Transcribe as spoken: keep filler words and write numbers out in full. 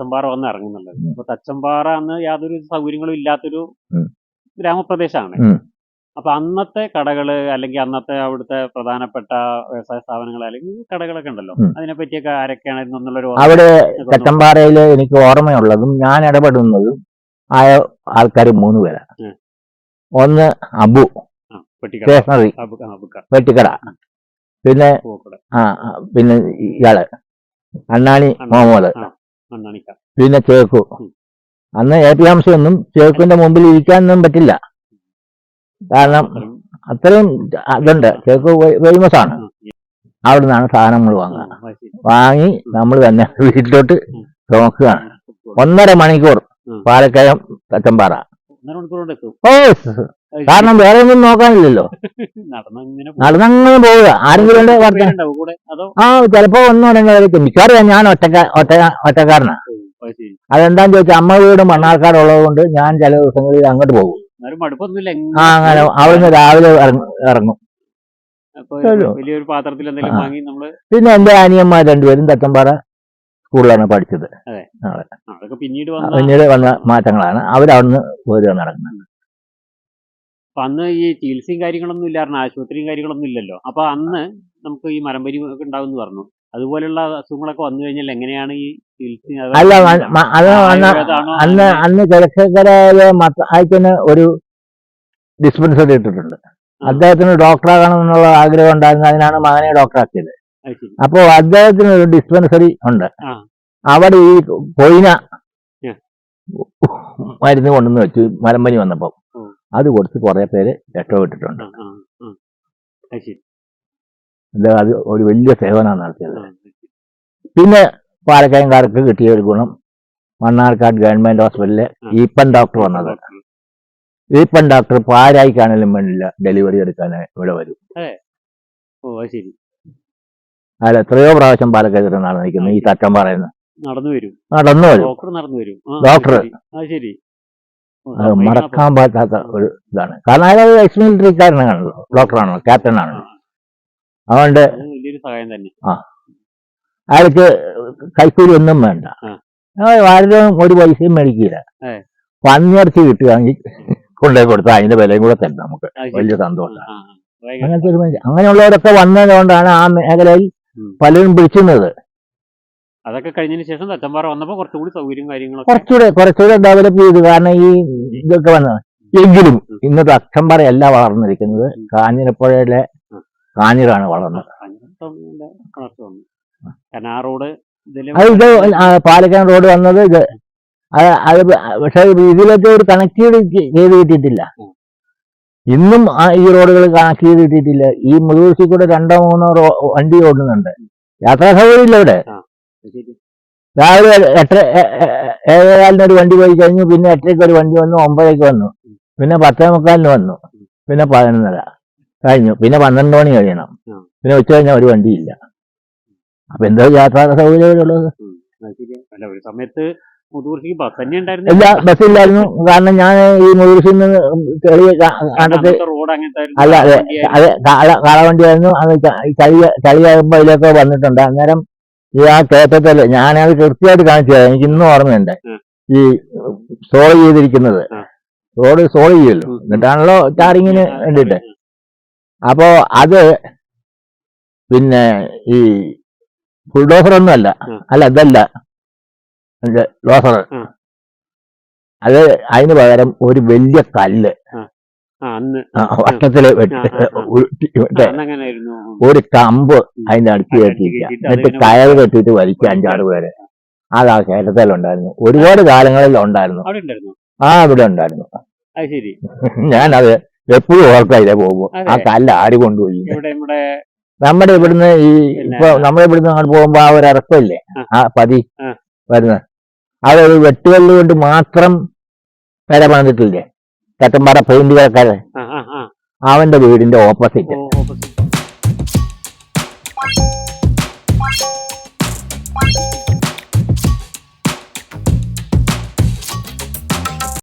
തച്ചമ്പാറ വന്ന് ഇറങ്ങുന്നുള്ളത്. അപ്പൊ തച്ചമ്പാറ അന്ന് യാതൊരു സൗകര്യങ്ങളും ഇല്ലാത്തൊരു ഗ്രാമപ്രദേശമാണ്. അപ്പൊ അന്നത്തെ കടകള് അല്ലെങ്കിൽ അന്നത്തെ അവിടുത്തെ പ്രധാനപ്പെട്ട വ്യവസായ സ്ഥാപനങ്ങൾ അല്ലെങ്കിൽ കടകളൊക്കെ ഉണ്ടല്ലോ, അതിനെ പറ്റിയൊക്കെ ആരൊക്കെയായിരുന്നു എന്നുള്ളൊരു അവിടെ തച്ചമ്പാറയില് എനിക്ക് ഓർമ്മയുള്ളതും ഞാൻ ഇടപെടുന്നതും ആയ ആൾക്കാർ മൂന്ന് പേരാ. ഒന്ന് അബു സ്റ്റേഷനറി വെട്ടിക്കട, പിന്നെ ആ പിന്നെ ഇയാള് അണ്ണാണി മുഹമ്മദ്, പിന്നെ ചേക്കു. അന്ന് എ പി ഹംസയൊന്നും ചേക്കുവിന്റെ മുമ്പിൽ ഇരിക്കാനൊന്നും പറ്റില്ല, കാരണം അത്രയും അതുണ്ട്. ചേക്ക് ഫേമസ് ആണ്. അവിടെ നിന്നാണ് സാധനങ്ങൾ വാങ്ങുക. വാങ്ങി നമ്മൾ തന്നെ വീട്ടിലോട്ട് നോക്കുകയാണ്. ഒന്നര മണിക്കൂർ പാലക്കയം തച്ചമ്പാറ. ഓ, കാരണം വേറെ ഒന്നും നോക്കാനില്ലല്ലോ, നടന്നങ്ങനെ പോവുക. ആരെങ്കിലും ആ ചിലപ്പോ ഒന്നും ഉടനെ മിക്കവാറും ഞാൻ ഒറ്റക്ക ഒറ്റ ഒറ്റക്കാരനാ. അതെന്താന്ന് ചോദിച്ചാൽ അമ്മ വീടും മണ്ണാർക്കാടുള്ളത് കൊണ്ട് ഞാൻ ചില ദിവസങ്ങളിൽ അങ്ങോട്ട് പോകും. ആ അങ്ങനെ അവിടുന്ന് രാവിലെ ഇറങ്ങും. പിന്നെ എന്റെ അനിയന്മാർ രണ്ടുപേരും തച്ചമ്പാറ സ്കൂളിലാണ് പഠിച്ചത്. പിന്നീട് വന്ന മാറ്റങ്ങളാണ്. അവരവിടുന്ന് പോരുക നടക്കുന്നത്. അന്ന് ഈ ചികിത്സയും കാര്യങ്ങളൊന്നും ഇല്ലായിരുന്നു, ആശുപത്രിയും കാര്യങ്ങളൊന്നും ഇല്ലല്ലോ. അപ്പൊ അന്ന് നമുക്ക് ഈ മരമ്പരി ഒക്കെ ഉണ്ടാവും പറഞ്ഞു. അതുപോലുള്ള അസുഖങ്ങളൊക്കെ വന്നു കഴിഞ്ഞാൽ എങ്ങനെയാണ് ഈ ചികിത്സ? അല്ല, അത് അന്ന് അന്ന് കിഴക്കക്കരയിലെ മത്തായിക്കന് ഒരു ഡിസ്പെൻസറി ഇട്ടിട്ടുണ്ട്. അദ്ദേഹത്തിന് ഡോക്ടറാകണം എന്നുള്ള ആഗ്രഹം ഉണ്ടായിരുന്നു. അതിനാണ് മകനെ ഡോക്ടറാക്കിയത്. അപ്പോൾ അദ്ദേഹത്തിന് ഒരു ഡിസ്പെൻസറി ഉണ്ട്. അവിടെ ഈ കൊയിന മരുന്ന് കൊണ്ടുവന്ന് വെച്ചു മലമ്പനി വന്നപ്പോൾ. അത് കൊടുത്ത് കുറെ പേര് രക്ഷപ്പെട്ടിട്ടുണ്ട്. അത് ഒരു വലിയ സേവനമാണ് നടത്തിയത്. പിന്നെ പാലക്കയംകാർക്ക് കിട്ടിയ ഒരു ഗുണം, മണ്ണാർക്കാട് ഗവൺമെന്റ് ഹോസ്പിറ്റലിലെ ഈപ്പൻ ഡോക്ടർ വന്നത്. ഈപ്പൻ ഡോക്ടർ പാരായിക്കാണെങ്കിലും വേണ്ടില്ല ഡെലിവറി എടുക്കാൻ ഇവിടെ വരും. അല്ല, എത്രയോ പ്രാവശ്യം പാലക്കാട് നടന്നിരിക്കുന്നു. ഈ തച്ചമ്പാറയിൽ നടന്നു വരും നടന്നു വരും നടന്നു വരും ഡോക്ടർ. അത് മറക്കാൻ പറ്റാത്ത ഒരു ഇതാണ്. കാരണം അയാൾ എക്സ് മിലിറ്ററിക്കാരനാണല്ലോ, ഡോക്ടറാണല്ലോ, ക്യാപ്റ്റൻ ആണല്ലോ. അതുകൊണ്ട് ആ അയാൾക്ക് കൈക്കൂലി ഒന്നും വേണ്ട, ആരും ഒരു പൈസയും മേടിക്കില്ല. പന്നിയിറച്ചി കിട്ടുകയാണെങ്കിൽ കൊണ്ടുപോയി കൊടുത്താൽ അതിന്റെ വിലയും കൂടെ തരും നമുക്ക്, വലിയ സന്തോഷമാണ്. അങ്ങനത്തെ ഒരു മനുഷ്യൻ. അങ്ങനെയുള്ളവരൊക്കെ വന്നതുകൊണ്ടാണ് ആ മേഖലയിൽ പലരും പിടിച്ചുന്നത്. അതൊക്കെ കഴിഞ്ഞതിന് ശേഷം തച്ചമ്പാറ വന്നപ്പോൾ കുറച്ചുകൂടി സൗകര്യം കാര്യങ്ങളൊക്കെ കുറച്ചുകൂടെ കുറച്ചുകൂടെ ഡെവലപ്പ് ചെയ്തു. കാരണം ഈ ഇതൊക്കെ വന്നത്. എങ്കിലും ഇന്ന് തച്ചമ്പാറയല്ല വളർന്നിരിക്കുന്നത്, കാഞ്ഞിരപ്പുഴയിലെ കാഞ്ഞിരാണ് വളർന്നത്. അത് ഇത് പാലക്കാട് റോഡ് വന്നത് ഇത് അത് പക്ഷെ ഇതിലൊക്കെ ഒരു കണക്ട് ചെയ്ത് കിട്ടിയിട്ടില്ല. ഇന്നും ഈ റോഡുകൾ കണക്ട് ചെയ്ത് കിട്ടിയിട്ടില്ല. ഈ മുതുകുരിശിൽ കൂടെ രണ്ടോ മൂന്നോ വണ്ടി ഓടുന്നുണ്ട്. യാത്രാ സൗകര്യം ഇല്ല ഇവിടെ. രാവിലെ എട്ടര ഏഴേകാലിന് ഒരു വണ്ടി പോയി കഴിഞ്ഞു, പിന്നെ എട്ടരയ്ക്ക് ഒരു വണ്ടി വന്നു, ഒമ്പതരയ്ക്ക് വന്നു, പിന്നെ പത്തേ മുക്കാലിന് വന്നു, പിന്നെ പതിനൊന്നര കഴിഞ്ഞു, പിന്നെ പന്ത്രണ്ട് മണി കഴിയണം, പിന്നെ ഉച്ച കഴിഞ്ഞാൽ ഒരു വണ്ടിയില്ല. അപ്പൊ എന്തോ യാത്രാ സൗകര്യമുള്ളത്. ഒരു സമയത്ത് ഇല്ല, ബസ്സില്ലായിരുന്നു. കാരണം ഞാൻ ഈ മുതുകുരിശിൽ നിന്ന് ചെറിയ കണ്ടത്ത് അല്ല, അതെ അതെ കാളവണ്ടിയായിരുന്നു. അത് ചളി ചളിയാകുമ്പോ അതിലൊക്കെ വന്നിട്ടുണ്ട്. അന്നേരം ഈ ആ കയറ്റത്തല്ലേ, ഞാനത് കൃത്യമായിട്ട് കാണിച്ചു തരാം. എനിക്ക് ഇന്നും ഓർമ്മയുണ്ട്. ഈ സോൾ ചെയ്തിരിക്കുന്നത്, റോഡ് സോൾ ചെയ്യുമല്ലോ, എന്നിട്ടാണല്ലോ ടാറിങ്ങിന് വേണ്ടിയിട്ട്. അപ്പോ അത് പിന്നെ ഈ ബുൾഡോസർ ഒന്നും അല്ല, അല്ല ഇതല്ല ലോസർ. അത് അതിന് പകരം ഒരു വലിയ കല്ല് വട്ടത്തില് ഒരു കമ്പ് അതിന്റെ അടുത്ത് കെട്ടിയിരിക്കുക, എന്നിട്ട് കയർ കെട്ടിയിട്ട് വലിക്കുക അഞ്ചാറ് പേര്. അതാ കേരളത്തിലുണ്ടായിരുന്നു, ഒരുപാട് കാലങ്ങളിൽ ഉണ്ടായിരുന്നു. ആ ഇവിടെ ഉണ്ടായിരുന്നു. ഞാനത് എപ്പോഴും ഓർക്കാം ഇതിലെ പോകുമ്പോ. ആ കല്ല് ആര് കൊണ്ടുപോയി? നമ്മുടെ ഇവിടുന്ന് ഈ ഇപ്പൊ നമ്മുടെ ഇവിടുന്ന് അങ്ങോട്ട് പോകുമ്പോ ആ ഒരു ഇറക്കമില്ലേ, ആ പതി വരുന്നത്, അതൊരു വെട്ടുകല്ല് കൊണ്ട് മാത്രം പെര പണിതിട്ടില്ലേ തച്ചമ്പാറ പെയിന്റ് കടക്കാരൻ, അവന്റെ വീടിന്റെ ഓപ്പോസിറ്റ്.